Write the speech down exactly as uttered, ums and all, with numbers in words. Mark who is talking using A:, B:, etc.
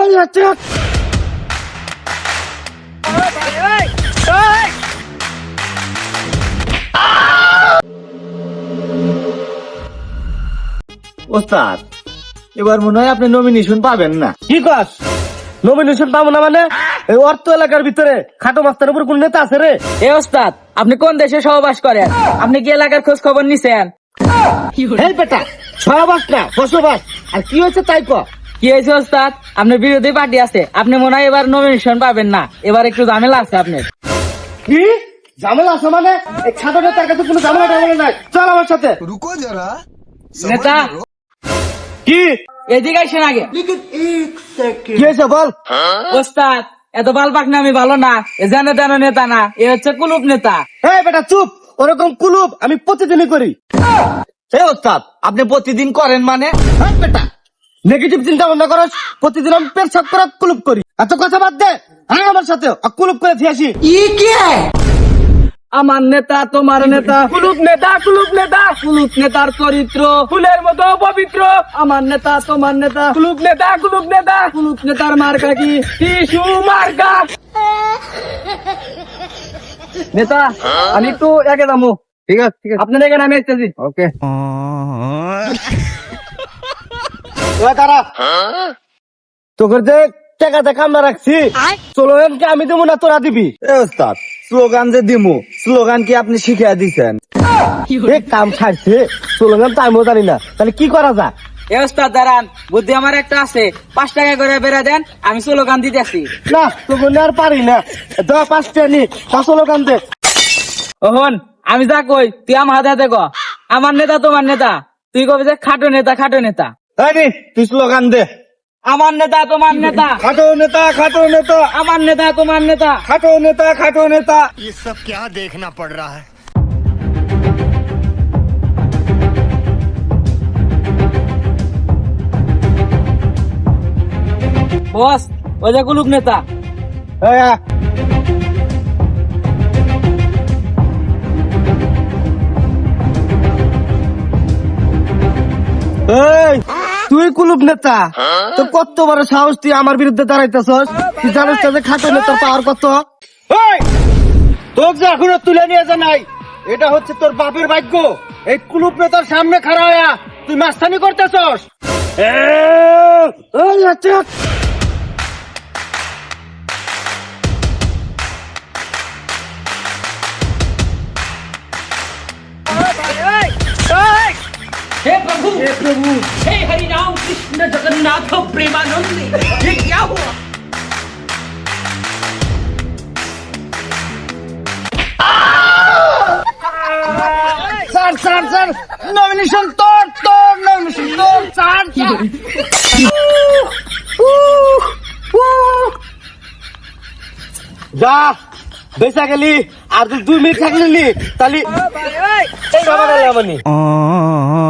A: এই বাচ্চা ওস্তাদ, এবার মনে হয় আপনি নমিনেশন পাবেন না।
B: কি কস? নমিনেশন পাবো না মানে? এই অর্থ এলাকার ভিতরে খাটো মাস্টার উপর কোন নেতা আছে রে?
C: এ ওস্তাদ, আপনি কোন দেশে সহবাস করেন? আপনি কি এলাকার খোঁজ খবর নিছেন?
B: এই বেটা, সহবাস না বসবাস। আর কি হয়েছে তাই ক।
C: কি হয়েছে ওস্তাদ? আপনার বিরোধী পার্টি আছে, আপনি মনে হয় এবার নমিনেশন পাবেন না। এবার একটু ঝামেলা আছে আপনার।
B: কি ঝামেলা আছে মানে? এই খাটো নেতার কাছে কোনো ঝামেলা টামেলা নাই। চল আমার সাথে।
D: रुको जरा
C: নেতা,
B: কি
C: এদিকে আসেন আগে।
B: কি হয়েছে বল।
C: ওস্তাদ, এত বালপাক না আমি ভালো না। এ জানে তেন নেতা না, এ হচ্ছে কুলুপ নেতা।
B: এই বেটা চুপ, ওরকম কুলুপ আমি প্রতিদিনই করি। এই ওস্তাদ, আপনি প্রতিদিন করেন মানে? এই বেটা, নেগেটিভ চিন্তা ভাবনা করস। প্রতিদিন আমি পেট সাফ করা কুলুপ করি। এত কথা বাদ দে, হ্যাঁ আমার সাথে আর কুলুপ করে দিয়ে আসি।
C: আমার নেতা তোমার নেতা, কুলুপ নেতা কুলুপ নেতা, কুলুপ নেতার চরিত্র ফুলের মতো পবিত্র। আমার নেতা তোমার নেতা, কুলুপ নেতা কুলুপ নেতা, কুলুপ নেতার মার্কা কি? টিসু মার্কা। নেতা, আমি একটু একে দামু।
B: ঠিক আছে ঠিক আছে,
C: আপনার এখানে আমি আসতেছি।
B: ওকে। দাঁড়া, তোকে যে টাকাতে কামনা রাখছি, স্লোগান কি আমি দেবো না তোরা দিবি? ওস্তাদ, স্লোগান যে দিমু, স্লোগান কি আপনি শিখিয়ে দিচ্ছেন? এই কাম ছাড়ছে, স্লোগান তো আমিও জানি না, তাহলে কি করা যায়?
C: এ ওস্তাদ দাঁড়ান, বুদ্ধি আমার একটা আছে। পাঁচ টাকা করে বেড়ে দেন, আমি স্লোগান দিতেছি।
B: না তোকে আর পারি না, দশ পাঁচটা নি, পাঁচ স্লোগান দে।
C: ওহন, আমি যা কই তুই আমার হাতে হাতে ক। আমার নেতা তোমার নেতা, তুই কবি যে খাটো নেতা খাটো নেতা।
B: এই নে, তুই স্লোগান দে।
C: আমার নেতা তোমার নেতা,
B: খাটো নেতা খাটো নেতা,
C: আমার নেতা তোমার নেতা।
B: খাটো নেতা খাটো নেতা।
D: ये सब क्या देखना पड़ रहा है।
C: বস, ওই যে কুলুপ নেতা।
B: এই আ। এই, তুই কুলুপ নেতা, তো কত বড় সাহস তুই আমার বিরুদ্ধে দাঁড়াইতেছস? তুই জানিস না যে খাটো নেতার পাওয়ার কত? এই, তোর যে এখনো তুলে নিয়ে যা নাই, এটা হচ্ছে তোর বাপের ভাগ্য। এই কুলুপ নেতার সামনে খাড়া হইয়া তুই মাস্তানি করতেছস। এই আচ্ছা,
E: हे प्रभु हे प्रभु हे हरि राम कृष्ण जगन्नाथ प्रेमानंद, ये क्या हुआ?
B: স্যার স্যার স্যার, নমিনেশন তোর তোর নমিনেশন তোর স্যার স্যার। যা বেসা গেলি, আর তুই দুই মিনিট থাকলি তাহলে এই বাবা